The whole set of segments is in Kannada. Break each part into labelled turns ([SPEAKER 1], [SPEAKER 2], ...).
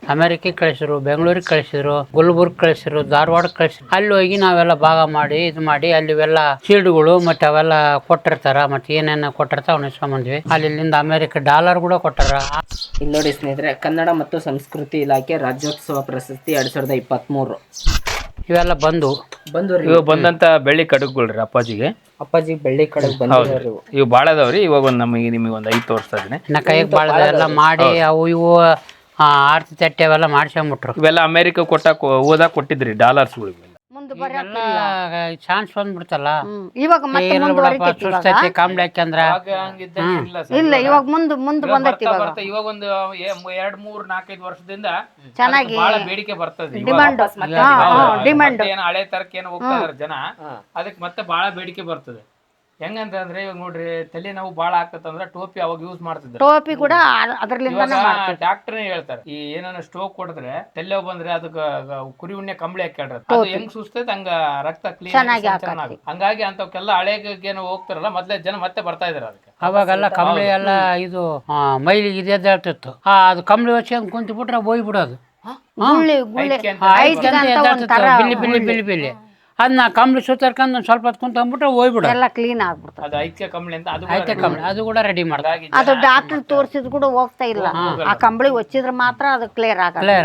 [SPEAKER 1] ಅಮೆರಿಕಕ್ಕೆ ಕಳಿಸಿದ್ರು, ಬೆಂಗಳೂರಿಗೆ ಕಳಿಸಿದ್ರು, ಗುಲ್ಬರ್ಗ್ ಕಳಿಸಿದ್ರು, ಧಾರವಾಡ ಕಳಿಸಿದ್ರು. ಅಲ್ಲಿ ಹೋಗಿ ನಾವೆಲ್ಲ ಭಾಗ ಮಾಡಿ ಇದು ಮಾಡಿ ಅಲ್ಲಿವೆಲ್ಲ ಶೀಲ್ಡ್ಗಳು ಮತ್ತೆ ಅವೆಲ್ಲ ಕೊಟ್ಟಿರ್ತಾರ. ಮತ್ತೆ ಏನೇನು ಕೊಟ್ಟಿರ್ತಾವ ಅವ್ನ ಇಸ್ಕೊಂಬಂದ್ವಿ. ಅಲ್ಲಿಂದ ಅಮೆರಿಕ ಡಾಲರ್ ಕೂಡ ಕೊಟ್ಟಾರ.
[SPEAKER 2] ಇಲ್ಲಿ ನೋಡಿ ಸ್ನೇಹಿತರೆ, ಕನ್ನಡ ಮತ್ತು ಸಂಸ್ಕೃತಿ ಇಲಾಖೆ ರಾಜ್ಯೋತ್ಸವ ಪ್ರಶಸ್ತಿ 2023
[SPEAKER 1] ಇವೆಲ್ಲ ಬಂದು
[SPEAKER 3] ಇವು ಬಂದಂತ ಬೆಳ್ಳಿ ಕಡಗಳ್ರಿ ಅಪ್ಪಾಜಿಗೆ
[SPEAKER 2] ಬೆಳ್ಳಿ ಕಡಗ್ ಬಂದಿರೋರು
[SPEAKER 3] ಇವು ಭಾಳ ಅದಾವ್ರಿ. ಇವಾಗ ಒಂದು ನಿಮಗೆ ಒಂದು 5 ತೋರಿಸ್ತಾ ಇದೀನಿ.
[SPEAKER 1] ನಾ ಕೈಗೆ ಬಾಳ್ದ ಎಲ್ಲ ಮಾಡಿ ಅವು ಇವು ಆರ್ತಿ ತಟ್ಟೆ ಅವೆಲ್ಲ ಮಾಡ್ಸ್ಕೊಂಬಿಟ್ರು.
[SPEAKER 3] ಇವೆಲ್ಲ ಅಮೆರಿಕ ಓದಾಕ್ ಕೊಟ್ಟಿದ್ರಿ ಡಾಲರ್ಸ್ಗಳು.
[SPEAKER 1] ಚಾನ್ಸ್ ಬಂದ್ಬಿಡ್ತಲ್ಲ
[SPEAKER 4] ಇವಾಗ ಮತ್ತೆ
[SPEAKER 1] ಸುಸ್ತೈತಿ ಕಾಂಬ್ಳಿ ಹಾಕ್ಯಂದ್ರ
[SPEAKER 4] ಇಲ್ಲ, ಇವಾಗ ಮುಂದೆ ಬಂದೈತಿ.
[SPEAKER 3] ಇವಾಗ ಒಂದು 2, 3, 4, 5 ವರ್ಷದಿಂದ
[SPEAKER 4] ಚೆನ್ನಾಗಿ
[SPEAKER 3] ಬಹಳ ಬೇಡಿಕೆ ಬರ್ತದೆ.
[SPEAKER 4] ಡಿಮ್ಯಾಂಡ್
[SPEAKER 3] ಏನು ಹಳೆ ತರಕ್ಕೆ ಏನು ಹೋಗ್ತಾ ಇದಾರೆ ಜನ, ಅದಕ್ಕೆ ಮತ್ತೆ ಬಹಳ ಬೇಡಿಕೆ ಬರ್ತದೆ. ಹೆಂಗಂತಂದ್ರೆ ಇವಾಗ ನೋಡ್ರಿ, ತಲೆ ನೋವು ಬಾಳ ಆಗ್ತದಂದ್ರೆ ಟೋಪಿ ಅವಾಗ ಯೂಸ್ ಮಾಡ್ತಿದ್ರು.
[SPEAKER 4] ಟೋಪಿ ಕೂಡ ಅದರಿಂದ
[SPEAKER 3] ಡಾಕ್ಟರ್ ಹೇಳ್ತಾರೆ, ಈ ಏನಾನ ಸ್ಟ್ರೋಕ್ ಕೊಡಿದ್ರೆ ತಲೆ ನೋವು ಬಂದ್ರೆ ಅದಕ್ಕೆ ಕುರಿ ಉಣ್ಣೆ ಕಂಬಳಿ ಹಾಕ್ಯಾಡ್ರ, ಅದು ಹೆಂಗ್ ಸುಸ್ತೈತೆ ಹಂಗ ರಕ್ತ ಕ್ಲೀನ್ ಚೆನ್ನಾಗಿ. ಹಂಗಾಗಿ ಅಂತವಕ್ಕೆಲ್ಲ ಹಳೆಗೇನು ಹೋಗ್ತಾರಲ್ಲ ಮೊದ್ಲೇ ಜನ ಮತ್ತೆ ಬರ್ತಾ ಇದಾರೆ. ಅದಕ್ಕೆ
[SPEAKER 1] ಅವಾಗೆಲ್ಲ ಕಂಬಳಿ ಎಲ್ಲ ಇದು ಮೈಲಿಗೆ ಇದೆ ಹೇಳ್ತಿತ್ತು. ಅದು ಕಂಬಳಿ ಹೊಚ್ಕೊಂಡ್ ಕುಂತು ಬಿಟ್ರೆ ಹೋಯ್ ಬಿಡೋದು. ಬಿಲ್ಲಿ ಬಿಲ್ಲಿ ಬಿಲ್ಲಿ ಅದನ್ನ ಕಂಬಳಿ ಸುತ್ತರ್ಕೊಂಡ್ ಒಂದ್ ಸ್ವಲ್ಪ ಹೊತ್ತು ಕುಂತ್ಕೊಂಡ್ಬಿಟ್ರೆ ಹೋಗ್ಬಿಡೋದು.
[SPEAKER 4] ಎಲ್ಲ ಕ್ಲೀನ್ ಆಗ್ಬಿಡ್ತದೆ.
[SPEAKER 3] ಅದು ಐಕ್ಯ ಕಂಬಳಿ ಅಂತ
[SPEAKER 1] ಐತೆ ಕಂಬಳಿ, ಅದು ಕೂಡ ರೆಡಿ ಮಾಡ್ತಾರೆ.
[SPEAKER 4] ಅದು ಡಾಕ್ಟರ್ ತೋರಿಸಿದ್ ಕೂಡ ಹೋಗ್ತಾ ಇಲ್ಲ. ಆ ಕಂಬಳಿ ಹೊಚ್ಚಿದ್ರೆ ಮಾತ್ರ ಅದು ಕ್ಲಿಯರ್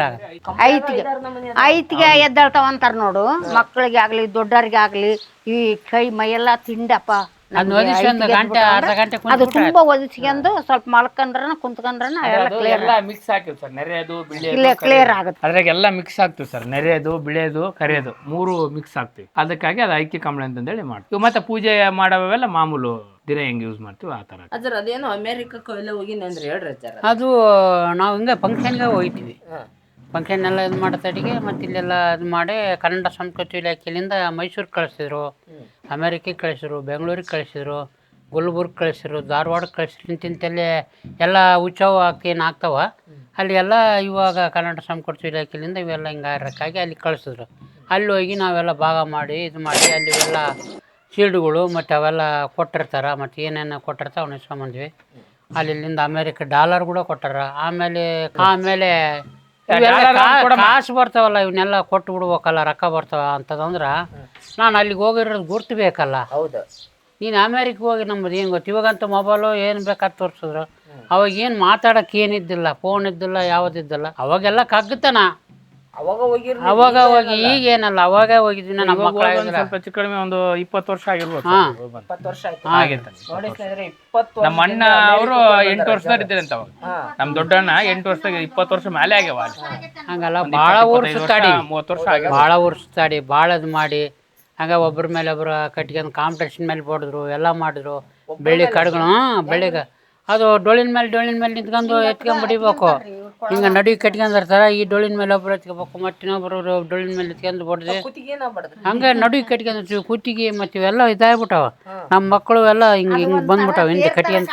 [SPEAKER 4] ಐತಿಗೆ ಎದ್ದಾಳ್ತಾವ ಅಂತಾರ ನೋಡು. ಮಕ್ಕಳಿಗೆ ಆಗ್ಲಿ ದೊಡ್ಡವ್ರಿಗೆ ಆಗ್ಲಿ ಈ ಕೈ ಮೈಯೆಲ್ಲ ತಿಂಡಪ್ಪ ಅದು ತುಂಬಾ ಒದಿಸ್ಕೊಂಡು ಸ್ವಲ್ಪ ಮಲ್ಕೊಂಡ್ರ ಕುಂತ್ಕೊಂಡ್ರ
[SPEAKER 3] ಎಲ್ಲ ಮಿಕ್ಸ್ ಆಗ್ತದೆ ಸರ್. ನೆರೆಯದು
[SPEAKER 4] ಕ್ಲಿಯರ್ ಆಗುತ್ತೆ.
[SPEAKER 3] ಅದ್ರಾಗೆಲ್ಲ ಮಿಕ್ಸ್ ಆಗ್ತದೆ ಸರ್. ನೆರೆಯದು ಬಿಳೆದು ಕರೆಯೋದು 3 ಮಿಕ್ಸ್ ಆಗ್ತವೆ. ಅದಕ್ಕಾಗಿ ಅದು ಐಕ್ಯ ಕಂಬಳಿ ಅಂತಂದೇಳಿ ಮಾಡ್ತೀವಿ. ಮತ್ತೆ ಪೂಜೆ ಮಾಡೋವೆಲ್ಲ ಮಾಮೂಲು ದಿನ ಹೆಂಗ್ ಯೂಸ್ ಮಾಡ್ತೀವಿ ಆ ತರ.
[SPEAKER 2] ಅಜ್ಜರ್ ಅದೇನೋ ಅಮೆರಿಕಕ್ಕೆ ಎಲ್ಲ ಹೋಗಿನಿ ಅಂದ್ರೆ ಹೇಳ್ರಿ ಅಜ್ಜರ್.
[SPEAKER 1] ಅದು ನಾವು ಹಿಂಗೆ ಫಂಕ್ಷನ್ಗೆ ಹೋಗ್ತೀವಿ. ಫಂಕ್ಷನ್ ಎಲ್ಲ ಇದು ಮಾಡತಡಿಗೆ ಮತ್ತು ಇಲ್ಲೆಲ್ಲ ಇದು ಮಾಡಿ ಕನ್ನಡ ಸಂಸ್ಕೃತಿ ಇಲಾಖೆಯಿಂದ ಮೈಸೂರಿಗೆ ಕಳಿಸಿದ್ರು, ಅಮೆರಿಕಕ್ಕೆ ಕಳಿಸಿದ್ರು, ಬೆಂಗಳೂರಿಗೆ ಕಳಿಸಿದ್ರು, ಗುಲ್ಬರ್ಗ್ ಕಳಿಸಿದ್ರು, ಧಾರವಾಡ ಕಳಿಸಿದ್ರು. ಇಂತಿಂತಲ್ಲಿ ಎಲ್ಲ ಉತ್ಸವ ಏನು ಆಗ್ತಾವ ಅಲ್ಲಿ ಎಲ್ಲ ಇವಾಗ ಕನ್ನಡ ಸಂಸ್ಕೃತಿ ಇಲಾಖೆಯಿಂದ ಇವೆಲ್ಲ ಹಿಂಗಾರಕ್ಕಾಗಿ ಅಲ್ಲಿ ಕಳಿಸಿದ್ರು. ಅಲ್ಲಿ ಹೋಗಿ ನಾವೆಲ್ಲ ಭಾಗ ಮಾಡಿ ಇದು ಮಾಡಿ ಅಲ್ಲಿವೆಲ್ಲ ಶೀಲ್ಡ್ಗಳು ಮತ್ತು ಅವೆಲ್ಲ ಕೊಟ್ಟಿರ್ತಾರೆ. ಮತ್ತು ಏನೇನು ಕೊಟ್ಟಿರ್ತಾವೆ ಅವ್ನ ಇಸ್ಕೊಂಬಂದ್ವಿ. ಅಲ್ಲಿಂದ ಅಮೆರಿಕ ಡಾಲರ್ ಕೂಡ ಕೊಟ್ಟಾರ. ಆಮೇಲೆ ಕಾಸು ಬರ್ತಾವಲ್ಲ, ಇವನ್ನೆಲ್ಲ ಕೊಟ್ಟು ಬಿಡ್ಬೇಕಲ್ಲ, ರೊಕ್ಕ ಬರ್ತಾವ ಅಂತದಂದ್ರೆ ನಾನು ಅಲ್ಲಿಗೆ ಹೋಗಿರೋದು ಗುರ್ತು ಬೇಕಲ್ಲ.
[SPEAKER 2] ಹೌದು,
[SPEAKER 1] ನೀನು ಅಮೇರಿಕಗೆ ಹೋಗಿ ನಮ್ಮದು ಏನು ಗೊತ್ತು. ಇವಾಗಂತೂ ಮೊಬೈಲು ಏನು ಬೇಕಾದ್ ತೋರಿಸಿದ್ರು. ಅವಾಗ ಏನು ಮಾತಾಡೋಕೆ ಏನಿದ್ದಿಲ್ಲ, ಫೋನ್ ಇದ್ದಿಲ್ಲ, ಯಾವುದಿದ್ದಿಲ್ಲ. ಅವಾಗೆಲ್ಲ ಕಗ್ಗತನ ಅವಾಗ ಹೋಗಿ ಈಗೇನಲ್ಲ, ಅವಾಗ ಹೋಗಿದ್ದೀನಿ. ನಮ್ಮ ಮಕ್ಕಳು
[SPEAKER 3] ಸ್ವಲ್ಪ ಹೆಚ್ಚು ಕಡಿಮೆ ಒಂದು 20 ವರ್ಷ ಆಗಿರ್ಬೋದು.
[SPEAKER 2] 20 ವರ್ಷ ಆಯ್ತು.
[SPEAKER 3] ನಮ್ಮ ಅಣ್ಣ ಅವರು 8 ವರ್ಷದಾಗ ಇದ್ದೀರಂತ ಅವಾಗ. ನಮ್ಮ ದೊಡ್ಡಣ್ಣ 8 ವರ್ಷದಾಗ 20 ವರ್ಷ ಮೇಲೆ ಆಗ್ಯಾವ.
[SPEAKER 1] ಹಂಗಲ್ಲ, ಭಾಳ ಊರು ಸುತ್ತಾಡಿ
[SPEAKER 3] 30 ವರ್ಷ ಆಗ್ಯಾವ.
[SPEAKER 1] ಭಾಳ ಊರು ಸುತ್ತಾಡಿ ಭಾಳ ಇದು ಮಾಡಿ ಹಂಗೆ ಒಬ್ಬರ ಮೇಲೆ ಒಬ್ಬರು ಕಟ್ಕೊಂಡು ಕಾಂಪಿಟೇಷನ್ ಮೇಲೆ ಹೊಡೆದ್ರು, ಎಲ್ಲ ಮಾಡಿದ್ರು. ಬೆಳ್ಳಿ ಕಡ್ಗಳು ಬೆಳ್ಳಿಗೆ ಅದು ಡೊಳ್ಳಿನ ಮೇಲೆ ನಿಂತ್ಕೊಂಡು ಎತ್ಕೊಂಡ್ ಬಿಡಿಬೇಕು. ಹಿಂಗೆ ನಡುವೆ ಕಟ್ಕೊಂಡಿರ್ತಾರೆ. ಈ ಡೊಳ್ಳಿನ ಮೇಲೆ ಒಬ್ರು ಎತ್ಕೋಬೇಕು, ಮತ್ತಿನ್ನೊಬ್ರು ಡೊಳ್ಳಿನ ಮೇಲೆ ಎತ್ಕೊಂಡು ಹೊಡೆದು ಹಂಗೆ ನಡುವೆ ಕಟ್ಕೊಂಡಿರ್ತೀವಿ. ಕುತ್ತಿಗೆ ಮತ್ತು ಇವೆಲ್ಲ ಇದಾಗ್ಬಿಟ್ಟವ. ನಮ್ಮ ಮಕ್ಕಳು ಎಲ್ಲ ಹಿಂಗೆ ಬಂದ್ಬಿಟ್ಟವ ಹಿಂದೆ ಕಟ್ಕೊಂಡು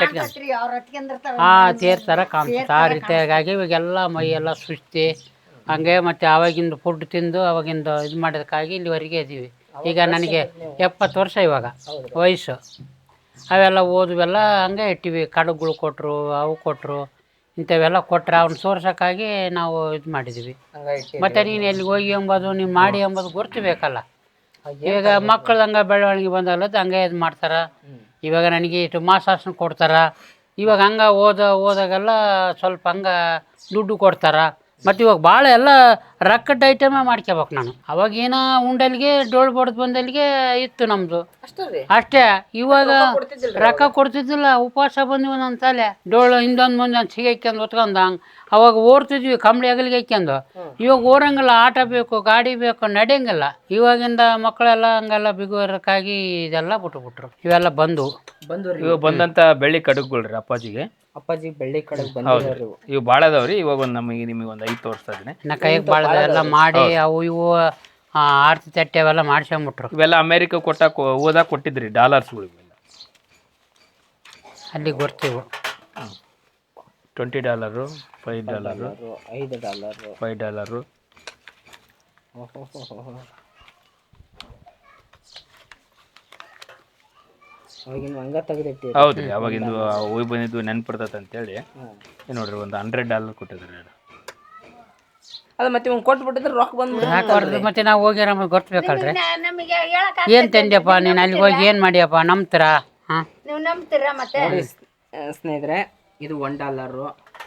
[SPEAKER 1] ತೇರ್ತಾರ ಕಾಣಿಸುತ್ತೆ. ಆ ರೀತಿಯಾಗಿ ಇವಾಗೆಲ್ಲ ಮೈ ಎಲ್ಲ ಸುಸ್ತಿ ಹಂಗೆ. ಮತ್ತು ಆವಾಗಿಂದ ಫುಡ್ ತಿಂದು ಅವಾಗಿಂದ ಇದು ಮಾಡೋದಕ್ಕಾಗಿ ಇಲ್ಲಿವರೆಗೆ ಇದ್ದೀವಿ. ಈಗ ನನಗೆ 70 ವರ್ಷ ಇವಾಗ ವಯಸ್ಸು. ಅವೆಲ್ಲ ಓದುವೆಲ್ಲ ಹಂಗೆ ಇಟ್ಟಿವಿ. ಕಡಗಳು ಕೊಟ್ಟರು, ಅವು ಕೊಟ್ಟರು, ಇಂಥವೆಲ್ಲ ಕೊಟ್ಟರೆ ಅವ್ನ ಸೋರ್ಸೋಕ್ಕಾಗಿ ನಾವು ಇದು ಮಾಡಿದ್ದೀವಿ. ಮತ್ತು ನೀನು ಎಲ್ಲಿಗೆ ಹೋಗಿ ಎಂಬುದು ನೀವು ಮಾಡಿ ಎಂಬುದು ಗುರ್ತಿಬೇಕಲ್ಲ. ಈಗ ಮಕ್ಕಳು ಹಂಗೆ ಬೆಳವಣಿಗೆ ಬಂದಾಗಲದ್ದು ಹಂಗೆ ಇದು ಮಾಡ್ತಾರೆ. ಇವಾಗ ನನಗೆ ಇಷ್ಟು ಮಾಸಾಸನ ಕೊಡ್ತಾರೆ. ಇವಾಗ ಹಂಗೆ ಓದಾಗೆಲ್ಲ ಸ್ವಲ್ಪ ಹಂಗೆ ದುಡ್ಡು ಕೊಡ್ತಾರೆ. ಮತ್ತು ಇವಾಗ ಭಾಳ ಎಲ್ಲ ರೊಕ್ಕದ ಐಟಮೇ ಮಾಡ್ಕೋಬೇಕು ನಾನು. ಅವಾಗೇನೋ ಉಂಡಲ್ಲಿಗೆ ಡೋಳು ಬಡ್ದು ಬಂದಲ್ಲಿಗೆ ಇತ್ತು ನಮ್ಮದು ಅಷ್ಟೇ. ಇವಾಗ ರೊಕ್ಕ ಕೊಡ್ತಿದ್ದಿಲ್ಲ. ಉಪವಾಸ ಬಂದ್ವಿ ನನ್ನ ತಲೆ ಡೋಳು ಹಿಂದೊಂದು ಮುಂದೊಂದು ಸಿಗೈಕ್ಯಂದು ಹೊತ್ಕೊಂಡು ಹಂಗೆ ಅವಾಗ ಓಡ್ತಿದ್ವಿ ಕಂಬಳಿ ಅಗಲಿಗೆ ಹಾಕ್ಯಂದು. ಇವಾಗ ಓರಂಗಿಲ್ಲ, ಆಟ ಬೇಕು, ಗಾಡಿ ಬೇಕು, ನಡೆಯಂಗಿಲ್ಲ. ಇವಾಗಿಂದ ಮಕ್ಕಳೆಲ್ಲ ಹಂಗೆಲ್ಲ ಬಿಗುವರಕ್ಕಾಗಿ ಇದೆಲ್ಲ ಬಿಟ್ಬಿಟ್ರು. ಇವೆಲ್ಲ ಬಂದು
[SPEAKER 3] ಇವಾಗ ಬಂದಂತ ಬೆಳ್ಳಿ ಕಡಗಳ್ರಿ ಅಪ್ಪಾಜಿಗೆ
[SPEAKER 2] ಬೆಳ್ಳಿ ಕಡಗ್ ಬಂದಿರೋರು
[SPEAKER 3] ಇವು ಭಾಳ ಅದಾವ್ರಿ. ಇವಾಗ ಒಂದು ನಿಮಗೆ ಒಂದು 5 ತೋರಿಸ್ತಾ ಇದೀನಿ.
[SPEAKER 1] ನಾ ಕೈಗೆ ಬಾಳ್ದ ಎಲ್ಲ ಮಾಡಿ ಅವು ಇವು ಆರ್ತಿ ತಟ್ಟೆ ಅವೆಲ್ಲ ಮಾಡ್ಸ್ಕೊಂಬಿಟ್ರು.
[SPEAKER 3] ಇವೆಲ್ಲ ಅಮೆರಿಕ ಓದಾಕ್ ಕೊಟ್ಟಿದ್ರಿ ಡಾಲರ್ಸ್ಗಳು.
[SPEAKER 1] ಅಲ್ಲಿ ಗೊರ್ತೀವಿ.
[SPEAKER 3] $20, $5, $5. ಹೌದ್ರಿ, ಅವಾಗಿಂದು ಹೋಗಿ ಬಂದಿದ್ದು ನೆನ್ಪಿರ್ತೈತೆ ಅಂತೇಳಿ ನೋಡ್ರಿ ಒಂದು $100 ಕೊಟ್ಟಿದ್ದಾರೆ.
[SPEAKER 2] ಅದ ಮತ್ತೆ ಇವ್ನು ಕೊಟ್ಬಿಟ್ಟಿದ್ರೆ ರೊಕ್ಕ ಬಂದ್ಬಿಟ್ಟು
[SPEAKER 1] ಹಾಕಬಾರ್ದು, ಮತ್ತೆ ನಾವು ಹೋಗಿ ನಮಗೆ ಗೊತ್ತಬೇಕಲ್ರಿ.
[SPEAKER 4] ನಮಗೆ ಹೇಳಕ್
[SPEAKER 1] ಏನು ತಂದ್ಯಪ್ಪ ನೀನು ಅಲ್ಲಿಗೆ ಹೋಗಿ ಏನು ಮಾಡಿಯಪ್ಪ ನಂಬ್ತೀರ? ಹಾಂ,
[SPEAKER 4] ನೀವು ನಂಬ್ತೀರಾ ಮತ್ತೆ?
[SPEAKER 2] ನೋಡಿ ಸ್ನೇಹಿತರೆ, ಇದು $1.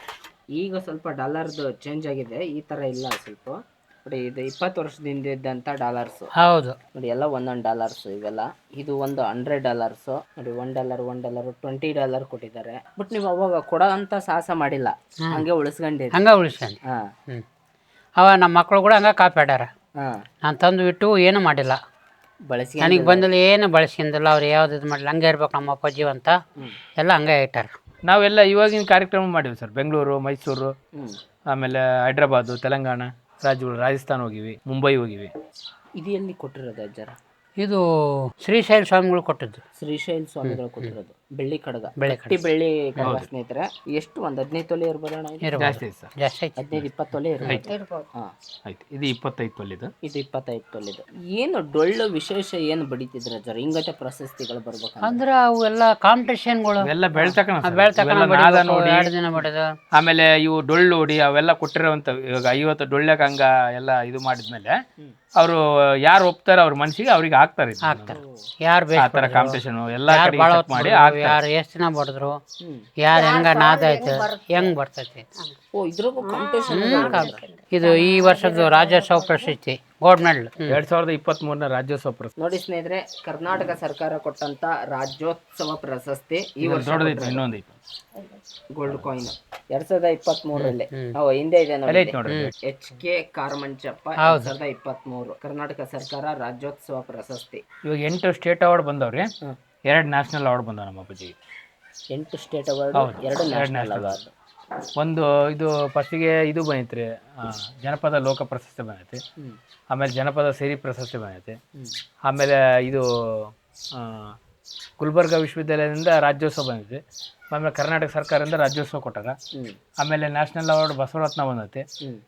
[SPEAKER 2] ಈಗ ಸ್ವಲ್ಪ ಡಾಲರ್ದು ಚೇಂಜ್ ಆಗಿದೆ, ಈ ಥರ ಇಲ್ಲ ಸ್ವಲ್ಪ. ನೋಡಿ ಇದು 20 ವರ್ಷದಿಂದ ಇದ್ದಂಥ ಡಾಲರ್ಸು.
[SPEAKER 1] ಹೌದು
[SPEAKER 2] ನೋಡಿ ಎಲ್ಲ ಒಂದೊಂದು ಡಾಲರ್ಸು ಇವೆಲ್ಲ. ಇದು ಒಂದು $100 ನೋಡಿ, $1 $20 ಕೊಟ್ಟಿದ್ದಾರೆ. ಬಟ್ ನೀವು ಅವಾಗ ಕೊಡೋ ಅಂತ ಸಾಹಸ ಮಾಡಿಲ್ಲ, ಹಂಗೆ ಉಳಿಸ್ಕೊಂಡಿರಿ.
[SPEAKER 1] ಹಂಗೆ ಉಳಿಸ್ಕೊಂಡು.
[SPEAKER 2] ಹಾಂ
[SPEAKER 1] ಹ್ಞೂ, ಅವ ನಮ್ಮ ಮಕ್ಕಳು ಕೂಡ ಹಂಗೆ ಕಾಪಾಡ್ಯಾರ.
[SPEAKER 2] ಹಾಂ,
[SPEAKER 1] ನಾನು ತಂದು ಬಿಟ್ಟು ಏನೂ ಮಾಡಿಲ್ಲ,
[SPEAKER 2] ಬಳಸಿ
[SPEAKER 1] ನನಗೆ ಬಂದಲ್ಲಿ ಏನು ಬಳಸ್ಕೊಂಡಿಲ್ಲ. ಅವ್ರು ಯಾವ್ದು ಇದು ಮಾಡಿಲ್ಲ, ಹಂಗೆ ಇರ್ಬೇಕು ನಮ್ಮ ಅಪ್ಪಾಜಿ ಅಂತ ಎಲ್ಲ ಹಂಗೆ ಇಟ್ಟಾರ.
[SPEAKER 3] ನಾವೆಲ್ಲ ಇವಾಗಿನ ಕಾರ್ಯಕ್ರಮ ಮಾಡಿವಿ ಸರ್. ಬೆಂಗಳೂರು, ಮೈಸೂರು, ಆಮೇಲೆ ಹೈದ್ರಾಬಾದು, ತೆಲಂಗಾಣ ರಾಜ್ಯಗಳು, ರಾಜಸ್ಥಾನ ಹೋಗಿವಿ, ಮುಂಬೈ ಹೋಗಿವಿ.
[SPEAKER 2] ಇದು ಎಲ್ಲಿ ಕೊಟ್ಟಿರೋದು ಅಜ್ಜರ?
[SPEAKER 1] ಇದು ಶ್ರೀಶೈಲ ಸ್ವಾಮಿಗಳು ಕೊಟ್ಟಿದ್ದು.
[SPEAKER 2] ಶ್ರೀಶೈಲ ಸ್ವಾಮಿಗಳು ಕೊಟ್ಟಿರೋದು. ಬೆಳ್ಳಿ ಕಡಗ,
[SPEAKER 1] ಬೆಳ್ಳಿ
[SPEAKER 2] ಗಟ್ಟಿ ಬೆಳ್ಳಿ ಕಡಗ ಸ್ನೇಹಿತರೆ. ಎಷ್ಟು ಒಂದು 15 ತೊಲೆ ಇರ್ಬೋದಣ್ಣ?
[SPEAKER 3] ಜಾಸ್ತಿ ಐತೆ ಸರ್,
[SPEAKER 1] ಜಾಸ್ತಿ ಐತಿ.
[SPEAKER 2] 15-20 ತೊಲೆ ಇರ್ಬೋದು. ಹಾಂ
[SPEAKER 3] ಆಯ್ತು. ಇದು 25 ತೊಲಿದು,
[SPEAKER 2] ಇದು 25 ತೊಲೆದು. ಏನು ಡೊಳ್ಳು ವಿಶೇಷ ಏನು ಬಡಿತಿದ್ರ ಅಜ್ಜರ? ಹಿಂಗತೆ ಪ್ರಶಸ್ತಿಗಳು ಬರ್ಬೇಕು
[SPEAKER 1] ಅಂದ್ರೆ ಅವೆಲ್ಲ ಕಾಂಪಿಟೇಷನ್ಗಳು
[SPEAKER 3] ಎಲ್ಲ ಬೆಳ್ತಕಣ
[SPEAKER 1] ನಾದ ನೋಡಿ 2 ದಿನ ಬಡಿದು.
[SPEAKER 3] ಆಮೇಲೆ ಇವು ಡೊಳ್ಳು ಹೊಡಿ ಅವೆಲ್ಲ ಕೊಟ್ಟಿರೋವಂಥ. ಇವಾಗ 50 ಡೊಳ್ಳ್ಯಾಗ ಹಂಗ ಎಲ್ಲ ಇದು ಮಾಡಿದ್ಮೇಲೆ ಅವರು ಯಾರು ಒಪ್ತಾರ ಅವ್ರ ಮನ್ಸಿಗೆ ಅವ್ರಿಗೆ ಹಾಕ್ತಾರೆ.
[SPEAKER 1] ಯಾರು
[SPEAKER 3] ಆ ಥರ ಕಾಂಪಿಟೇಷನ್ ಎಲ್ಲ ಕಡೆ ಮಾಡಿ
[SPEAKER 1] ಯಾರು ಎಷ್ಟು ದಿನ ಬಡಿದ್ರು, ಯಾರು ಹೆಂಗ ನಾದ ಆಯ್ತು ಹೆಂಗ್ ಬರ್ತೈತಿ.
[SPEAKER 2] ಓ, ಇದ್ರಾಗೂ ಕಾಂಪಿಟೇಷನ್.
[SPEAKER 1] ಇದು ಈ ವರ್ಷದ ರಾಜ್ಯೋತ್ಸವ ಪ್ರಶಸ್ತಿ ಗೋಲ್ಡ್ ಮೆಡಲ್
[SPEAKER 3] 2023ರ ರಾಜ್ಯೋತ್ಸವ ಪ್ರಶಸ್ತಿ.
[SPEAKER 2] ನೋಡಿ ಸ್ನೇಹಿತರೆ, ಕರ್ನಾಟಕ ಸರ್ಕಾರ ಕೊಟ್ಟಂತ ರಾಜ್ಯೋತ್ಸವ ಪ್ರಶಸ್ತಿ ಈ ವರ್ಷ
[SPEAKER 3] ದೊಡ್ಡದೈತೆ, ಇನ್ನೊಂದು ಐತೆ
[SPEAKER 2] ಗೋಲ್ಡ್ ಕಾಯಿನ್ 2023ರಲ್ಲಿ. ಹಿಂದೆ ಇದೆ ನೋಡಿ, HK ಕಾರಮಂಚಪ್ಪ 2023 ಕರ್ನಾಟಕ ಸರ್ಕಾರ ರಾಜ್ಯೋತ್ಸವ ಪ್ರಶಸ್ತಿ.
[SPEAKER 3] ಇವಾಗ 8 ಸ್ಟೇಟ್ ಅವಾರ್ಡ್ ಬಂದವ್ರಿ, 2 ನ್ಯಾಷನಲ್ ಅವಾರ್ಡ್ ಬಂದವ ನಮ್ಮ ಅಪ್ಪಾಜಿಗೆ.
[SPEAKER 2] 8 ಸ್ಟೇಟ್ ಅವಾರ್ಡ್, 2 ನ್ಯಾಷನಲ್ ಅವಾರ್ಡ್.
[SPEAKER 3] ಒಂದು ಇದು ಫಸ್ಟಿಗೆ ಇದು ಬಂದೈತ್ರಿ, ಜನಪದ ಲೋಕ ಪ್ರಶಸ್ತಿ ಬಂದೈತಿ. ಆಮೇಲೆ ಜನಪದ ಸಿರಿ ಪ್ರಶಸ್ತಿ ಬಂದೈತಿ. ಆಮೇಲೆ ಇದು ಗುಲ್ಬರ್ಗಾ ವಿಶ್ವವಿದ್ಯಾಲಯದಿಂದ ರಾಜ್ಯೋತ್ಸವ ಬಂದೈತಿ. ಆಮೇಲೆ ಕರ್ನಾಟಕ ಸರ್ಕಾರದಿಂದ ರಾಜ್ಯೋತ್ಸವ ಕೊಟ್ಟಾರ. ಆಮೇಲೆ ನ್ಯಾಷನಲ್ ಅವಾರ್ಡ್ ಬಸವರತ್ನ ಬಂದೈತಿ.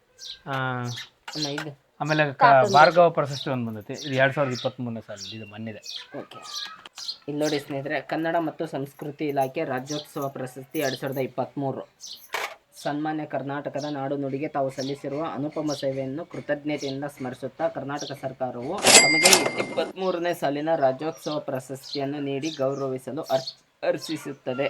[SPEAKER 3] ಆಮೇಲೆ ಭಾರ್ಗವ ಪ್ರಶಸ್ತಿ ಒಂದು ಬಂದೈತಿ. ಇದು 2023ನೇ ಸಾಲ, ಇದು ಮೊನ್ನೆದೆ.
[SPEAKER 2] ಓಕೆ, ಇಲ್ಲಿ ನೋಡಿ ಸ್ನೇಹಿತರೆ, ಕನ್ನಡ ಮತ್ತು ಸಂಸ್ಕೃತಿ ಇಲಾಖೆ ರಾಜ್ಯೋತ್ಸವ ಪ್ರಶಸ್ತಿ 2023. ಸನ್ಮಾನ್ಯ ಕರ್ನಾಟಕದ ನಾಡು ನುಡಿಗೆ ತಾವು ಸಲ್ಲಿಸಿರುವ ಅನುಪಮ ಸೇವೆಯನ್ನು ಕೃತಜ್ಞತೆಯಿಂದ ಸ್ಮರಿಸುತ್ತಾ ಕರ್ನಾಟಕ ಸರ್ಕಾರವು ತಮಗೆ 23ನೇ ಸಾಲಿನ ರಾಜ್ಯೋತ್ಸವ ಪ್ರಶಸ್ತಿಯನ್ನು ನೀಡಿ ಗೌರವಿಸಲು ಅರ್ಪಿಸುತ್ತದೆ.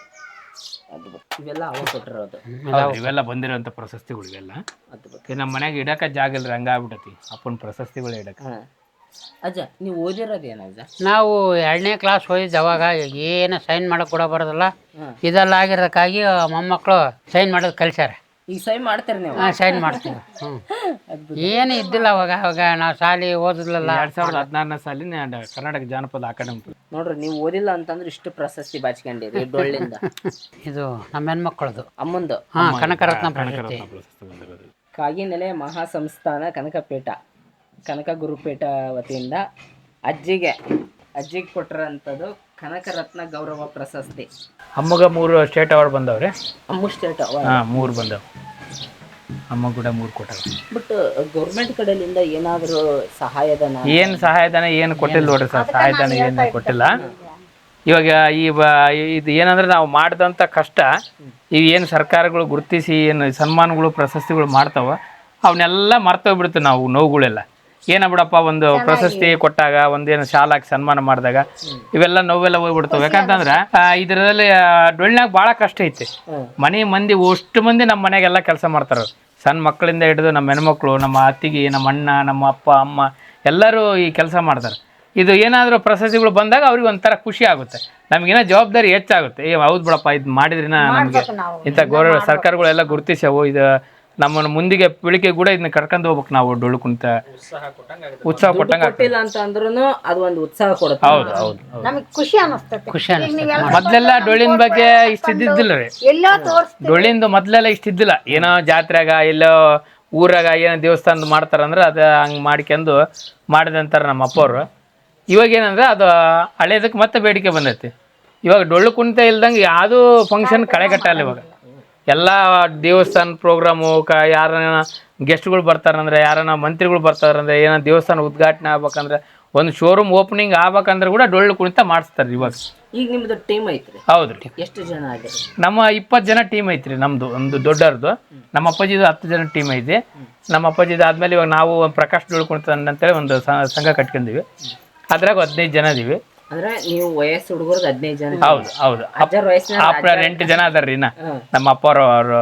[SPEAKER 2] ಇವೆಲ್ಲ ಅವ ಕೊಟ್ಟಿರೋದು,
[SPEAKER 3] ಇವೆಲ್ಲ ಬಂದಿರೋಂಥ ಪ್ರಶಸ್ತಿಗಳು ಇವೆಲ್ಲ.
[SPEAKER 2] ಅದ್ಭುತ.
[SPEAKER 3] ನಮ್ಮ ಮನೆಗೆ ಇಡಕ ಜಾಗ ಇಲ್ರಿ, ಹಂಗಾಗ್ಬಿಟ್ಟತಿ ಅಪ್ಪನ ಪ್ರಶಸ್ತಿಗಳು ಇಡಕ.
[SPEAKER 2] ಅಜ್ಜ, ನೀವು ಓದಿರೋದು ಏನಜ್ಜ?
[SPEAKER 1] ನಾವು 2ನೇ ಕ್ಲಾಸ್ ಹೋಗಿದ್ದು. ಅವಾಗ ಏನು ಸೈನ್ ಮಾಡಕ್ ಕೂಡ ಬರೋದಿಲ್ಲ. ಇದೆಲ್ಲ ಆಗಿರೋದಕ್ಕಾಗಿ ಮೊಮ್ಮಕ್ಕಳು ಸೈನ್ ಮಾಡೋದು ಕಲಿಸ್ಯಾರ.
[SPEAKER 2] ಈಗ ಸೈನ್ ಮಾಡ್ತೀರಿ ನೀವು?
[SPEAKER 1] ಸೈನ್ ಮಾಡ್ತೀವಿ. ಏನು ಇದ್ದಿಲ್ಲ ಅವಾಗ ನಾವು ಶಾಲೆ ಓದಿದ್ಲಲ್ಲ.
[SPEAKER 3] 2016ನೇ ಸಾಲಿನ ಕರ್ನಾಟಕ ಜಾನಪದ ಅಕಾಡೆಮಿ.
[SPEAKER 2] ನೋಡ್ರಿ, ನೀವು ಓದಿಲ್ಲ ಅಂತಂದ್ರೆ ಇಷ್ಟು ಪ್ರಶಸ್ತಿ ಬಾಚ್ಕೊಂಡಿರಿ ಡೊಳ್ಳಿಂದ.
[SPEAKER 1] ಇದು ನಮ್ಮ ಹೆಣ್ಮಕ್ಳದು,
[SPEAKER 2] ಅಮ್ಮಂದು.
[SPEAKER 1] ಕನಕರತ್ನ ಪ್ರಶಸ್ತಿ.
[SPEAKER 2] ಕಾಗಿನೆಲೆ ಮಹಾಸಂಸ್ಥಾನ ಕನಕ ಗುರುಪೀಠ ವತಿಯಿಂದ ಅಜ್ಜಿಗೆ ಕೊಟ್ಟಿರೋಂಥದ್ದು ಕನಕರತ್ನ ಗೌರವ ಪ್ರಶಸ್ತಿ.
[SPEAKER 3] ಅಮ್ಮಗ 3 ಸ್ಟೇಟ್ ಅವಾರ್ಡ್ ಬಂದವ್ರಿ.
[SPEAKER 2] ಅಮ್ಮ ಸ್ಟೇಟ್ ಅವಾರ್ಡ್
[SPEAKER 3] 3 ಬಂದವ್. ಅಮ್ಮ ಕೂಡ 3 ಕೊಟ್ಟಾರ.
[SPEAKER 2] ಬಟ್ ಗೌರ್ಮೆಂಟ್ ಕಡೆಯಿಂದ ಏನಾದರೂ ಸಹಾಯಧನ?
[SPEAKER 3] ಏನು ಸಹಾಯಧನ ಏನು ಕೊಟ್ಟಿಲ್ಲ ನೋಡ್ರಿ ಸರ್, ಸಹಾಯಧನ ಏನು ಕೊಟ್ಟಿಲ್ಲ. ಇವಾಗ ಇದು ಏನಂದ್ರೆ ನಾವು ಮಾಡಿದಂಥ ಕಷ್ಟ ಏನು ಸರ್ಕಾರಗಳು ಗುರುತಿಸಿ ಏನು ಸನ್ಮಾನಗಳು ಪ್ರಶಸ್ತಿಗಳು ಮಾಡ್ತಾವ, ಅವನ್ನೆಲ್ಲ ಮರ್ತೋಗ್ಬಿಡ್ತೀವಿ ನಾವು. ನೋವುಗಳೆಲ್ಲ ಬಿಡಪ್ಪ, ಒಂದು ಪ್ರಶಸ್ತಿ ಕೊಟ್ಟಾಗ, ಒಂದೇನು ಶಾಲಾಗಿ ಸನ್ಮಾನ ಮಾಡಿದಾಗ ಇವೆಲ್ಲ ನೋವೆಲ್ಲ ಹೋಗ್ಬಿಡ್ತಾವೆ. ಯಾಕಂತಂದ್ರೆ ಇದರಲ್ಲಿ ಡೊಳ್ಳಿನಾಗ ಭಾಳ ಕಷ್ಟ ಐತಿ. ಮನೆ ಮಂದಿ ಅಷ್ಟು ಮಂದಿ ನಮ್ಮ ಮನೆಗೆಲ್ಲ ಕೆಲಸ ಮಾಡ್ತಾರೆ. ಸಣ್ಣ ಮಕ್ಕಳಿಂದ ಹಿಡಿದು ನಮ್ಮ ಹೆಣ್ಮಕ್ಳು, ನಮ್ಮ ಅತ್ತಿಗೆ, ನಮ್ಮ ಅಣ್ಣ, ನಮ್ಮ ಅಪ್ಪ ಅಮ್ಮ ಎಲ್ಲರೂ ಈ ಕೆಲಸ ಮಾಡ್ತಾರೆ. ಇದು ಏನಾದರೂ ಪ್ರಶಸ್ತಿಗಳು ಬಂದಾಗ ಅವ್ರಿಗೆ ಒಂಥರ ಖುಷಿ ಆಗುತ್ತೆ, ನಮಗೇನೋ ಜವಾಬ್ದಾರಿ ಹೆಚ್ಚಾಗುತ್ತೆ. ಹೌದು ಬಿಡಪ್ಪ, ಇದು ಮಾಡಿದ್ರಿನ ನಮಗೆ ಇಂಥ ಗೌರವ ಸರ್ಕಾರಗಳೆಲ್ಲ ಗುರುತಿಸವು. ಇದು ನಮ್ಮನ್ನು ಮುಂದಿಗೆ ಪೀಳಿಗೆ ಕೂಡ ಇದನ್ನ ಕರ್ಕೊಂಡು ಹೋಗ್ಬೇಕು ನಾವು. ಡೊಳ್ಳು ಕುಣಿತ ಉತ್ಸಾಹ ಕೊಟ್ಟಂಗ
[SPEAKER 2] ಕೊಟ್ಟಿಲ್ಲ ಅಂತ ಅಂದ್ರೂ ಅದು ಒಂದು ಉತ್ಸಾಹ ಕೊಡುತ್ತೆ.
[SPEAKER 3] ಹೌದು ಹೌದು,
[SPEAKER 4] ನಮಗೆ ಖುಷಿ ಅನಿಸ್ತದೆ.
[SPEAKER 3] ಮೊದ್ಲೆಲ್ಲ ಡೊಳ್ಳಿನ ಬಗ್ಗೆ ಇಷ್ಟಿದ್ದಿಲ್ಲ ರೀ. ಡೊಳ್ಳಿಂದು ಮೊದ್ಲೆಲ್ಲ ಇಷ್ಟಿದ್ದಿಲ್ಲ. ಏನೋ ಜಾತ್ರೆಗ ಎಲ್ಲೋ ಊರಾಗ ಏನೋ ದೇವಸ್ಥಾನದ ಮಾಡ್ತಾರಂದ್ರೆ ಅದು ಹಂಗೆ ಮಾಡ್ಕೊಂಡು ಮಾಡಿದಂತಾರ ನಮ್ಮ ಅಪ್ಪವ್ರು. ಇವಾಗ ಏನಂದ್ರೆ ಅದು ಹಳೇದಕ್ಕೆ ಮತ್ತೆ ಬೇಡಿಕೆ ಬಂದೈತಿ. ಇವಾಗ ಡೊಳ್ಳು ಕುಣಿತ ಇಲ್ದಂಗೆ ಯಾವುದೂ ಫಂಕ್ಷನ್ ಕಳೆಗಟ್ಟಲ್ಲ. ಇವಾಗ ಎಲ್ಲ ದೇವಸ್ಥಾನ ಪ್ರೋಗ್ರಾಮು, ಯಾರನ್ನ ಗೆಸ್ಟ್ಗಳು ಬರ್ತಾರಂದ್ರೆ, ಯಾರನ್ನ ಮಂತ್ರಿಗಳು ಬರ್ತಾರಂದ್ರೆ, ಏನೋ ದೇವಸ್ಥಾನ ಉದ್ಘಾಟನೆ ಆಗ್ಬೇಕಂದ್ರೆ ಒಂದು ಶೋರೂಮ್ ಓಪನಿಂಗ್ ಆಗ್ಬೇಕಂದ್ರೆ ಕೂಡ ಡೊಳ್ಳು ಕುಣಿತ ಮಾಡಿಸ್ತಾರೆ ಇವಾಗ.
[SPEAKER 2] ಈಗ ನಿಮ್ದು ಟೀಮ್ ಐತ್ರಿ?
[SPEAKER 3] ಹೌದ್ರಿ,
[SPEAKER 2] ಎಷ್ಟು ಜನ ಆಗಿರಿ?
[SPEAKER 3] ನಮ್ಮ 20 ಜನ ಟೀಮ್ ಐತ್ರಿ ನಮ್ದು, ಒಂದು ದೊಡ್ಡವ್ರದ್ದು. ನಮ್ಮ ಅಪ್ಪಾಜಿದು 10 ಜನ ಟೀಮ್ ಐತಿ. ನಮ್ಮ ಅಪ್ಪಾಜಿದು ಆದ್ಮೇಲೆ ಇವಾಗ ನಾವು ಪ್ರಕಾಶ್ ಡೊಳ್ಳು ಕುಣಿತ ಅಂತೇಳಿ ಒಂದು ಸಂಘ ಕಟ್ಕೊಂಡಿವಿ. ಅದ್ರಾಗ 15 ಜನ ಇದೀವಿ.
[SPEAKER 2] ಅಂದ್ರೆ ನೀವು ವಯಸ್ಸು ಹುಡುಗರ್ದು 15 ಜನ?
[SPEAKER 3] ಹೌದು ಹೌದು.
[SPEAKER 2] ಅಜ್ಜರ ವಯಸ್ಸಿನ
[SPEAKER 3] 8 ಜನ ಅದಾರ್ರಿ. ನಮ್ಮ ಅಪ್ಪವ್ರು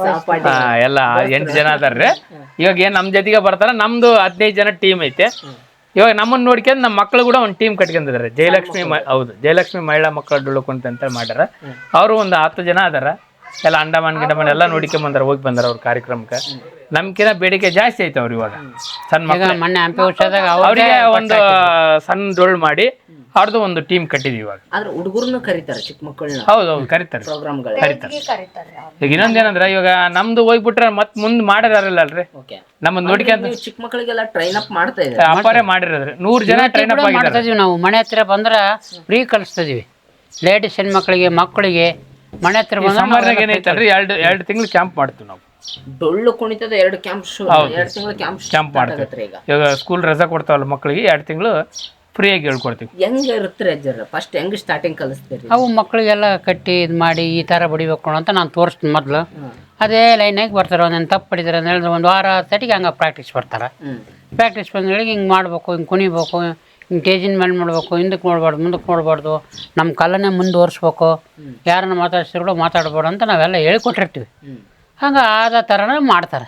[SPEAKER 3] ಎಲ್ಲ 8 ಜನ ಅದಾರ್ರಿ. ಇವಾಗ ಏನ್ ನಮ್ ಜೊತೆಗೆ ಬರ್ತಾರ. ನಮ್ದು 15 ಜನ ಟೀಮ್ ಐತೆ. ಇವಾಗ ನಮ್ಮನ್ನ ನೋಡ್ಕೊಂಡು ನಮ್ಮ ಮಕ್ಕಳು ಕೂಡ ಒಂದು ಟೀಮ್ ಕಟ್ಕೊಂಡಿದ್ದಾರೆ. ಜಯಲಕ್ಷ್ಮಿ ಹೌದು, ಜಯಲಕ್ಷ್ಮಿ ಮಹಿಳಾ ಮಕ್ಕಳ ಡೊಳ್ಳು ಕುಣಿತ ಅಂತ ಮಾಡ್ಯಾರ. ಅವರು ಒಂದು 10 ಜನ ಅದಾರ. ಎಲ್ಲ ಅಂಡಮಾನ್ ಗಿಡಮಾನ್ ಎಲ್ಲ ನೋಡ್ಕೊಂಡ್ ಹೋಗಿ ಬಂದಾರ ಅವ್ರ ಕಾರ್ಯಕ್ರಮಕ್ಕೆ. ನಮ್ಕಿನ ಬೇಡಿಕೆ ಜಾಸ್ತಿ ಐತೆ ಅವ್ರು ಇವಾಗ. ಸಣ್ಣ ಮಕ್ಕಳು
[SPEAKER 1] ಮೊನ್ನೆ ಹಂಪಿ ಉತ್ಸವದಾಗ
[SPEAKER 3] ಅವರಿಗೆ ಒಂದು ಸಣ್ಣ ಡೊಳ್ಳು ಮಾಡಿ ಅವ್ರದ್ದು ಒಂದು ಟೀಮ್ ಕಟ್ಟಿದ್ವಿ ಇವಾಗ.
[SPEAKER 2] ಆದ್ರೆ ಹುಡುಗರ್ನು ಕರೀತಾರೆ, ಚಿಕ್ಕ ಮಕ್ಕಳನ್ನ.
[SPEAKER 3] ಹೌದು ಹೌದು, ಕರೀತಾರೆ
[SPEAKER 2] ಪ್ರೋಗ್ರಾಮ್ಗಳು
[SPEAKER 4] ಕರೀತಾರೆ.
[SPEAKER 3] ಈಗ ಇನ್ನೊಂದೇನಂದ್ರೆ ಇವಾಗ ನಮ್ದು ಹೋಗ್ಬಿಟ್ರೆ ಮತ್ ಮುಂದ್ ಮಾಡಿದಾರಲ್ರಿ,
[SPEAKER 2] ಓಕೆ.
[SPEAKER 3] ನಮ್ಮನ್ನ ನೋಡ್ಕೊಂತ
[SPEAKER 2] ಚಿಕ್ಕ ಮಕ್ಕಳಿಗೆಲ್ಲ ಟ್ರೈನ್ ಅಪ್ ಮಾಡ್ತಾ ಇದ್ದಾರೆ.
[SPEAKER 3] ಅಪ್ಪಾರೇ ಮಾಡಿರೋದ್ರಿ. 100 ಜನ ಟ್ರೈನ್ ಅಪ್
[SPEAKER 1] ಮಾಡ್ತಾ
[SPEAKER 3] ಆಗಿದ್ದಾರೆ.
[SPEAKER 1] ಇದೀವಿ ನಾವು. ಮನೆ ಹತ್ರ ಬಂದ್ರೆ ಫ್ರೀ ಕಲಿಸ್ತಿದೀವಿ. ಲೇಡೀಸ್ ಹೆಣ್ಮಕ್ಳಿಗೆ, ಮಕ್ಕಳಿಗೆ ಮನೆ ಹತ್ರ
[SPEAKER 3] ಸಮ್ಮರ್ನಾಗ ಏನೈತಲ್ರಿ, 2 ತಿಂಗಳು ಕ್ಯಾಂಪ್ ಮಾಡ್ತೀವಿ ನಾವು.
[SPEAKER 2] ಡೊಳ್ಳು ಕುಣಿತದ 2 ಕ್ಯಾಂಪ್ ಶೋ, 2 ತಿಂಗಳ ಕ್ಯಾಂಪ್
[SPEAKER 3] ಮಾಡ್ತೀವಿ.
[SPEAKER 2] ಈಗ
[SPEAKER 3] ಇವಾಗ ಸ್ಕೂಲ್ ರಜಾ ಕೊಡ್ತಾವಲ್ಲ ಮಕ್ಕಳಿಗೆ, 2 ತಿಂಗಳು ಫ್ರೀಯಾಗಿ ಹೇಳ್ಕೊಡ್ತೀವಿ.
[SPEAKER 2] ಹೆಂಗ ಇರುತ್ತೆ ಅಜ್ಜರ? ಫಸ್ಟ್ ಹೆಂಗ್ ಸ್ಟಾರ್ಟಿಂಗ್ ಕಲಿಸ್ತೀರಿ?
[SPEAKER 1] ಅವು ಮಕ್ಕಳಿಗೆಲ್ಲ ಕಟ್ಟಿ ಇದು ಮಾಡಿ ಈ ಥರ ಬಡಿಬೇಕು ಅಂತ ನಾನು ತೋರಿಸ್ತೀನಿ ಮೊದಲು. ಅದೇ ಲೈನಾಗಿ ಬರ್ತಾರೆ. ಒಂದೊಂದು ತಪ್ಪು ಪಡಿತಾರೆ ಅಂತ ಹೇಳಿದ್ರೆ ಒಂದು ವಾರ ಸಟಿಗೆ ಹಂಗೆ ಪ್ರಾಕ್ಟೀಸ್ ಬರ್ತಾರೆ. ಪ್ರಾಕ್ಟೀಸ್ ಬಂದೇಳಿ ಹಿಂಗೆ ಮಾಡಬೇಕು, ಹಿಂಗೆ ಕುಣಿಬೇಕು, ಹಿಂಗೆ ಸ್ಟೇಜಿನ ಮೇಲೆ ಮಾಡಬೇಕು, ಹಿಂದಕ್ಕೆ ನೋಡ್ಬಾರ್ದು, ಮುಂದಕ್ಕೆ ನೋಡ್ಬಾರ್ದು, ನಮ್ಮ ಕಲನೇ ಮುಂದುವರಿಸ್ಬೇಕು, ಯಾರನ್ನ ಮಾತಾಡ್ಸಿದ್ರು ಮಾತಾಡ್ಬಾರ್ದು ಅಂತ ನಾವೆಲ್ಲ ಹೇಳ್ಕೊಟ್ಟಿರ್ತೀವಿ. ಹಂಗೆ ಆದ ಥರನೇ ಮಾಡ್ತಾರೆ.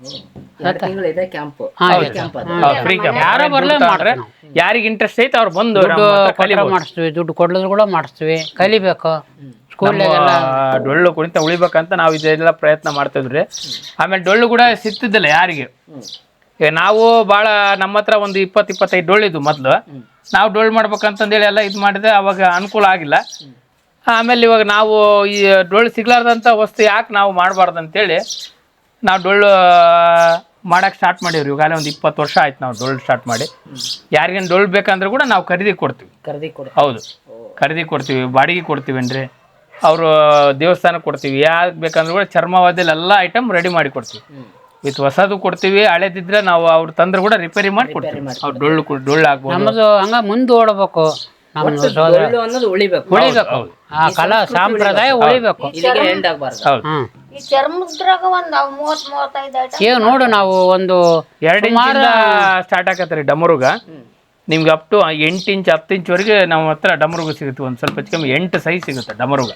[SPEAKER 2] 2 ತಿಂಗಳು ಇದೆ ಕ್ಯಾಂಪ್.
[SPEAKER 3] Free camp.
[SPEAKER 1] ಯಾರೋ ಬರಲೇ ಮಾಡ್ರೆ
[SPEAKER 3] ಯಾರಿಗೆ ಇಂಟ್ರೆಸ್ಟ್ ಐತೆ ಅವ್ರು ಬಂದು
[SPEAKER 1] ಮಾಡಿಸ್ತೀವಿ. ದುಡ್ಡು ಕೊಡೋದ್ರು ಕೂಡ ಮಾಡಿಸ್ತೀವಿ. ಕಲಿಬೇಕು. ಸ್ಕೂಲ್ನಾಗೆಲ್ಲ
[SPEAKER 3] ಡೊಳ್ಳು ಕುಣಿತ ಉಳಿಬೇಕಂತ ನಾವು ಇದೆಲ್ಲ ಪ್ರಯತ್ನ ಮಾಡ್ತಿದ್ರಿ. ಆಮೇಲೆ ಡೊಳ್ಳು ಕೂಡ ಸಿಗ್ತಿದ್ದಿಲ್ಲ ಯಾರಿಗೆ. ಈಗ ನಾವು ಭಾಳ ನಮ್ಮ ಹತ್ರ ಒಂದು 20-25 ಡೊಳ್ಳಿದ್ವು ಮೊದಲು. ನಾವು ಡೊಳ್ಳು ಮಾಡ್ಬೇಕಂತಂದೇಳಿ ಎಲ್ಲ ಇದು ಮಾಡಿದೆ. ಅವಾಗ ಅನುಕೂಲ ಆಗಿಲ್ಲ. ಆಮೇಲೆ ಇವಾಗ ನಾವು ಈ ಡೊಳ್ಳು ಸಿಗ್ಲಾರ್ದಂಥ ವಸ್ತು ಯಾಕೆ ನಾವು ಮಾಡಬಾರ್ದು ಅಂತೇಳಿ ನಾವು ಡೊಳ್ಳು ಮಾಡಕ್ಕೆ ಸ್ಟಾರ್ಟ್ ಮಾಡೀವ್ರಿ. ಇವಾಗಲೇ ಒಂದು 20 ವರ್ಷ ಆಯ್ತು ನಾವು ಡೊಳ್ಳು ಸ್ಟಾರ್ಟ್ ಮಾಡಿ. ಯಾರಿಗೇನು ಡೊಳ್ಳು ಬೇಕಂದ್ರೆ ಕೂಡ ನಾವು ಖರೀದಿ ಕೊಡ್ತೀವಿ. ಹೌದು, ಖರೀದಿ ಕೊಡ್ತೀವಿ, ಬಾಡಿಗೆ ಕೊಡ್ತೀವೇನ್ರಿ. ಅವರು ದೇವಸ್ಥಾನಕ್ಕೆ ಕೊಡ್ತೀವಿ. ಯಾಕೆ ಬೇಕಂದ್ರೆ ಕೂಡ ಚರ್ಮವಾದ್ಯಲ್ಲಿ ಎಲ್ಲ ಐಟಮ್ ರೆಡಿ ಮಾಡಿ ಕೊಡ್ತೀವಿ. ವಿತ್ ಹೊಸದು ಕೊಡ್ತೀವಿ. ಹಳೆದಿದ್ರೆ ನಾವು ಅವ್ರು ತಂದ್ರೆ ಕೂಡ ರಿಪೇರಿ ಮಾಡಿ ಕೊಡ್ತೀವಿ. ಅವ್ರು ಡೊಳ್ಳು ಆಗ್ಬೋದು.
[SPEAKER 1] ನಮ್ಮದು ಹಂಗ ಮುಂದೆ ಓಡಬೇಕು.
[SPEAKER 2] ಡೊಳ್ಳು ಅನ್ನೋದು ಉಳಿಬೇಕು.
[SPEAKER 1] ಆ ಕಲಾ ಸಂಪ್ರದಾಯ ಉಳಿಬೇಕು.
[SPEAKER 2] ಎಂಡ್ ಆಗ್ಬಾರ್ದು.
[SPEAKER 4] ಈ ಚರ್ಮದ್ರಾಗ ಒಂದು 30-35
[SPEAKER 1] ಈಗ ನೋಡು, ನಾವು ಒಂದು
[SPEAKER 3] 2 ಇಂಚಿಂದ ಸ್ಟಾರ್ಟ್ ಆಗತ್ತೆ ರೀ ಡಮರುಗ. ನಿಮ್ಗೆ ಅಪ್ ಟು 8 ಇಂಚ್ 10 ಇಂಚ್ವರೆಗೆ ನಮ್ಮ ಹತ್ರ ಡಮರುಗ ಸಿಗುತ್ತೆ. ಒಂದು ಸ್ವಲ್ಪ ಕಮ್ಮಿ 8 ಸೈಜ್ ಸಿಗುತ್ತೆ ಡಮರುಗ.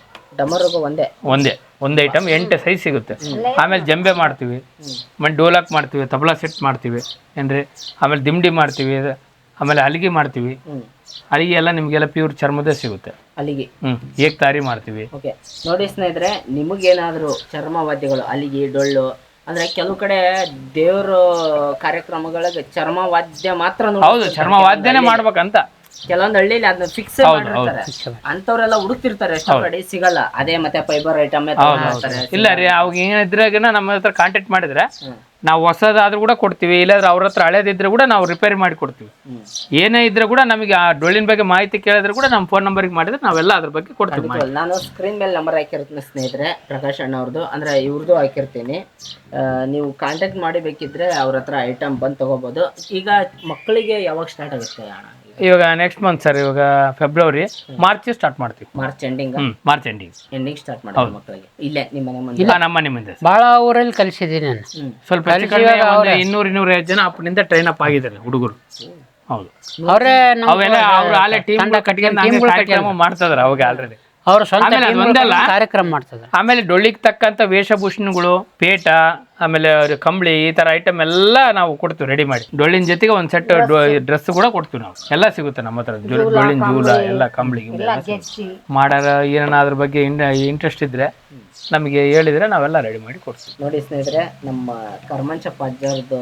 [SPEAKER 3] ಒಂದೇ ಐಟಮ್ 8 ಸೈಜ್ ಸಿಗುತ್ತೆ. ಆಮೇಲೆ ಜಂಬೆ ಮಾಡ್ತೀವಿ, ಆಮೇಲೆ ಡೋಲಾಕ್ ಮಾಡ್ತೀವಿ, ತಬಲಾ ಸೆಟ್ ಮಾಡ್ತೀವಿ ಏನ್ರಿ. ಆಮೇಲೆ ದಿಂಡಿ ಮಾಡ್ತೀವಿ, ಆಮೇಲೆ ಹಲಿಗೆ ಮಾಡ್ತೀವಿ. ಹಲಿಗೆ ಎಲ್ಲ ನಿಮಗೆಲ್ಲ ಪ್ಯೂರ್ ಚರ್ಮದೇ ಸಿಗುತ್ತೆ.
[SPEAKER 2] ಅಲ್ಲಿಗೆ
[SPEAKER 3] ಏಕ್ತಾರಿ ಮಾಡ್ತೀವಿ.
[SPEAKER 2] ಓಕೆ, ನೋಡಿ ಸ್ನೇಹಿತರೆ, ನಿಮಗೇನಾದರೂ ಚರ್ಮವಾದ್ಯಗಳು, ಅಲ್ಲಿಗೆ, ಡೊಳ್ಳು ಅಂದ್ರೆ ಕೆಲವು ಕಡೆ ದೇವ್ರ ಕಾರ್ಯಕ್ರಮಗಳಿಗೆ ಚರ್ಮವಾದ್ಯ ಮಾತ್ರ.
[SPEAKER 3] ಹೌದು, ಚರ್ಮವಾದ್ಯನೇ ಮಾಡ್ಬೇಕಂತ
[SPEAKER 2] ಕೆಲವೊಂದು ಹಳ್ಳಿಲಿ ಅದನ್ನ ಫಿಕ್ಸ್ ಮಾಡಿರ್ತಾರೆ. ಅಂತವ್ರೆಲ್ಲ ಹುಡುಕ್ತಿರ್ತಾರೆ, ಎಷ್ಟೋ ಕಡೆ ಸಿಗಲ್ಲ. ಅದೇ ಮತ್ತೆ ಫೈಬರ್ ಐಟಮ್
[SPEAKER 3] ಇಲ್ಲ ರೀ. ಅವಾಗ ಏನಿದ್ರಾಗ ನಮ್ಮ ಹತ್ರ ಕಾಂಟ್ಯಾಕ್ಟ್ ಮಾಡಿದ್ರೆ ನಾವು ಹೊಸದಾದ್ರೂ ಕೂಡ ಕೊಡ್ತೀವಿ. ಇಲ್ಲಾಂದ್ರೆ ಅವ್ರ ಹತ್ರ ಹಳೇದಿದ್ರೆ ಕೂಡ ನಾವು ರಿಪೇರಿ ಮಾಡಿ ಕೊಡ್ತೀವಿ. ಏನೇ ಇದ್ರೆ ಕೂಡ ನಮಗೆ ಆ ಡೊಳ್ಳಿನ ಬಗ್ಗೆ ಮಾಹಿತಿ ಕೇಳಿದ್ರೆ ಕೂಡ ನಮ್ಮ ಫೋನ್ ನಂಬರ್ಗೆ ಮಾಡಿದ್ರೆ ನಾವೆಲ್ಲ ಅದ್ರ ಬಗ್ಗೆ ಕೊಡ್ತೀವಿ.
[SPEAKER 2] ನಾನು ಸ್ಕ್ರೀನ್ ಮೇಲೆ ನಂಬರ್ ಹಾಕಿರ್ತೀನಿ ಸ್ನೇಹಿತರೆ, ಪ್ರಕಾಶ್ ಅಣ್ಣ ಅವ್ರದ್ದು, ಅಂದ್ರೆ ಇವ್ರದ್ದು ಹಾಕಿರ್ತೀನಿ. ನೀವು ಕಾಂಟ್ಯಾಕ್ಟ್ ಮಾಡಿ ಬೇಕಿದ್ರೆ ಅವ್ರ ಹತ್ರ ಐಟಮ್ ಬಂದು ತಗೋಬಹುದು. ಈಗ ಮಕ್ಕಳಿಗೆ ಯಾವಾಗ ಸ್ಟಾರ್ಟ್ ಆಗುತ್ತೆ ಅಣ್ಣ?
[SPEAKER 3] ಇವಾಗ ನೆಕ್ಸ್ಟ್ ಮಂತ್ ಸರ್. ಇವಾಗ ಫೆಬ್ರವರಿ, ಮಾರ್ಚ್ ಸ್ಟಾರ್ಟ್ ಮಾಡ್ತೀವಿ.
[SPEAKER 2] ಮಾರ್ಚ್ ಎಂಡಿಂಗ್ ಸ್ಟಾರ್ಟ್ ಮಾಡಿ ಮಕ್ಕಳಿಗೆ. ಇಲ್ಲೇ ನಿಮ್ಮ ಮನೆ ಮುಂದೆ? ಇಲ್ಲ,
[SPEAKER 3] ನಮ್ಮ ಮನೆ ಮುಂದೆ.
[SPEAKER 1] ಭಾಳ ಊರಲ್ಲಿ ಕಲಿಸಿದ್ದೀನಿ ನಾನು.
[SPEAKER 3] ಸ್ವಲ್ಪ 200-250 ಜನ ಅಪ್ಪನಿಂದ ಟ್ರೈನ್ ಅಪ್ ಆಗಿದ್ದಾರೆ ಹುಡುಗರು. ಹೌದು,
[SPEAKER 1] ಅವರೇ
[SPEAKER 3] ಅವೆಲ್ಲ ಅವ್ರು ಆಲೆ ಟೀಮ್ ಕಟ್ಕೊಂಡು ಮಾಡ್ತಿದಾರೆ ಅವಾಗ ಆಲ್ರೆಡಿ.
[SPEAKER 1] ಅವ್ರು ಸ್ವಂತ ಕಾರ್ಯಕ್ರಮ ಮಾಡ್ತಿದ್ದಾರೆ.
[SPEAKER 3] ಆಮೇಲೆ ಡೊಳ್ಳಿಗೆ ತಕ್ಕಂತ ವೇಷಭೂಷಣಗಳು, ಪೇಟ, ಆಮೇಲೆ ಕಂಬಳಿ, ಈ ತರ ಐಟಮ್ ಎಲ್ಲ ನಾವು ಕೊಡ್ತೀವಿ ರೆಡಿ ಮಾಡಿ. ಡೊಳ್ಳಿನ ಜೊತೆಗೆ ಒಂದ್ ಸೆಟ್ ಡ್ರೆಸ್ ಕೂಡ ಕೊಡ್ತೀವಿ ನಾವು. ಎಲ್ಲ ಸಿಗುತ್ತೆ ನಮ್ಮ ಹತ್ರ. ಡೊಳ್ಳಿನ ಜೂಲ ಎಲ್ಲ ಕಂಬಳಿ ಮಾಡಾರ. ಏನಾದ್ರ ಬಗ್ಗೆ ಇಂಟ್ರೆಸ್ಟ್ ಇದ್ರೆ ನಮಗೆ ಹೇಳಿದ್ರೆ ನಾವೆಲ್ಲ ರೆಡಿ ಮಾಡಿ ಕೊಡ್ತೀವಿ.
[SPEAKER 2] ನೋಡಿ ಸ್ನೇಹಿತರೆ, ನಮ್ಮ ಕರ್ಮಂಚಪ್ಪ ಅಜ್ಜರದ್ದು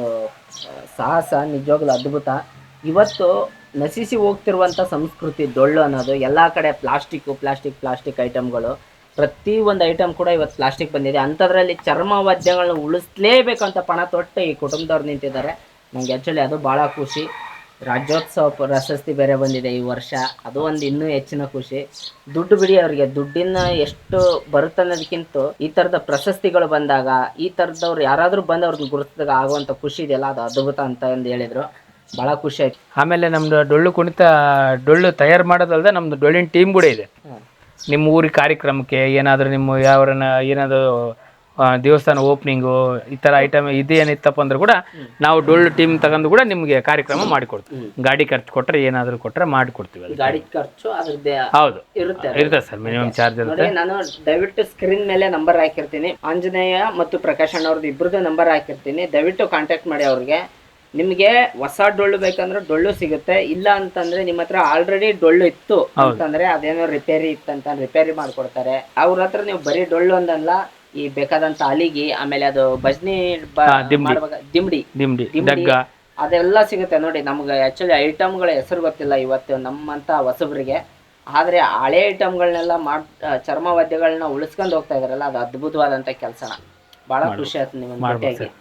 [SPEAKER 2] ಸಾಹಸ ನಿಜವಾಗ್ಲೂ ಅದ್ಭುತ. ಇವತ್ತು ನಶಿಸಿ ಹೋಗ್ತಿರುವಂಥ ಸಂಸ್ಕೃತಿ ಡೊಳ್ಳು ಅನ್ನೋದು. ಎಲ್ಲ ಕಡೆ ಪ್ಲಾಸ್ಟಿಕ್ ಐಟಮ್ಗಳು, ಪ್ರತಿ ಒಂದು ಐಟಮ್ ಕೂಡ ಇವತ್ತು ಪ್ಲಾಸ್ಟಿಕ್ ಬಂದಿದೆ. ಅಂಥದ್ರಲ್ಲಿ ಚರ್ಮವಾದ್ಯಗಳನ್ನ ಉಳಿಸ್ಲೇಬೇಕಂತ ಪಣ ತೊಟ್ಟು ಈ ಕುಟುಂಬದವ್ರು ನಿಂತಿದ್ದಾರೆ. ನನಗೆ ಆ್ಯಕ್ಚುಲಿ ಅದು ಭಾಳ ಖುಷಿ. ರಾಜ್ಯೋತ್ಸವ ಪ್ರಶಸ್ತಿ ಬೇರೆ ಬಂದಿದೆ ಈ ವರ್ಷ, ಅದು ಒಂದು ಇನ್ನೂ ಹೆಚ್ಚಿನ ಖುಷಿ. ದುಡ್ಡು ಬಿಡಿ, ಅವರಿಗೆ ದುಡ್ಡಿನ ಎಷ್ಟು ಬರುತ್ತೆ ಅನ್ನೋದಕ್ಕಿಂತ ಈ ಥರದ ಪ್ರಶಸ್ತಿಗಳು ಬಂದಾಗ, ಈ ಥರದವ್ರು ಯಾರಾದರೂ ಬಂದು ಅವ್ರನ್ನ ಗುರುತಿಸಿದಾಗ ಆಗುವಂಥ ಖುಷಿ ಇದೆಯಲ್ಲ, ಅದು ಅದ್ಭುತ ಅಂತ ಹೇಳಿದರು. ಭಾಳ ಖುಷಿ ಆಯ್ತು.
[SPEAKER 3] ಆಮೇಲೆ ನಮ್ದು ಡೊಳ್ಳು ತಯಾರು ಮಾಡೋದಲ್ದೆ ನಮ್ದು ಡೊಳ್ಳಿನ ಟೀಮ್ ಕೂಡ ಇದೆ. ನಿಮ್ಮ ಊರಿಗೆ ಕಾರ್ಯಕ್ರಮಕ್ಕೆ ಏನಾದರೂ ನಿಮ್ಮ ಯಾವ್ರನ್ನ ಏನಾದರೂ ದೇವಸ್ಥಾನ ಓಪನಿಂಗು ಈ ಥರ ಐಟಮ್ ಇದೇನಿತ್ತಪ್ಪ ಅಂದ್ರೆ ಕೂಡ ನಾವು ಡೊಳ್ಳು ಟೀಮ್ ತಗೊಂಡು ಕೂಡ ನಿಮಗೆ ಕಾರ್ಯಕ್ರಮ ಮಾಡಿಕೊಡ್ತೀವಿ. ಗಾಡಿ ಖರ್ಚು ಕೊಟ್ಟರೆ ಏನಾದರೂ ಕೊಟ್ಟರೆ ಮಾಡಿಕೊಡ್ತೀವಿ. ಅದು
[SPEAKER 2] ಗಾಡಿ ಖರ್ಚು ಅದ್ರದ್ದೇ
[SPEAKER 3] ಹೌದು
[SPEAKER 2] ಇರುತ್ತೆ
[SPEAKER 3] ಸರ್, ಮಿನಿಮಮ್ ಚಾರ್ಜ್ ಇರುತ್ತೆ.
[SPEAKER 2] ನಾನು ದಯವಿಟ್ಟು ಸ್ಕ್ರೀನ್ ಮೇಲೆ ನಂಬರ್ ಹಾಕಿರ್ತೀನಿ. ಆಂಜನೇಯ ಮತ್ತು ಪ್ರಕಾಶ್ ಅಣ್ಣವ್ರದ್ದು ಇಬ್ಬರದ್ದು ನಂಬರ್ ಹಾಕಿರ್ತೀನಿ. ದಯವಿಟ್ಟು ಕಾಂಟ್ಯಾಕ್ಟ್ ಮಾಡಿ ಅವ್ರಿಗೆ. ನಿಮಗೆ ಹೊಸ ಡೊಳ್ಳು ಬೇಕಂದ್ರೆ ಡೊಳ್ಳು ಸಿಗುತ್ತೆ. ಇಲ್ಲ ಅಂತಂದ್ರೆ ನಿಮ್ಮ ಹತ್ರ ಆಲ್ರೆಡಿ ಡೊಳ್ಳು ಇತ್ತು ಅಂತಂದ್ರೆ ಅದೇನೋ ರಿಪೇರಿ ಇತ್ತಂತ ರಿಪೇರಿ ಮಾಡ್ಕೊಡ್ತಾರೆ. ಅವ್ರ ಹತ್ರ ನೀವು ಬರೀ ಡೊಳ್ಳು ಒಂದಲ್ಲ, ಈ ಬೇಕಾದಂತ ಅಲಿಗಿ, ಆಮೇಲೆ ಅದು ಭಜನಿ ದಿಂಬಡಿ ಅದೆಲ್ಲ ಸಿಗುತ್ತೆ. ನೋಡಿ, ನಮ್ಗೆ ಆಕ್ಚುಲಿ ಐಟಮ್ಗಳ ಹೆಸರು ಗೊತ್ತಿಲ್ಲ ಇವತ್ತು ನಮ್ಮಂತ ಹೊಸಬ್ರಿಗೆ. ಆದ್ರೆ ಹಳೆ ಐಟಮ್ಗಳನ್ನೆಲ್ಲ ಚರ್ಮ ವಾದ್ಯಗಳನ್ನ ಉಳಿಸ್ಕೊಂಡು ಹೋಗ್ತಾ ಇದಾರಲ್ಲ, ಅದು ಅದ್ಭುತವಾದಂತ ಕೆಲಸನ. ಬಹಳ ಖುಷಿ ಆಯ್ತು ನಿಮ್ಮನ್ನ ಭೇಟಿಯಾಗಿ.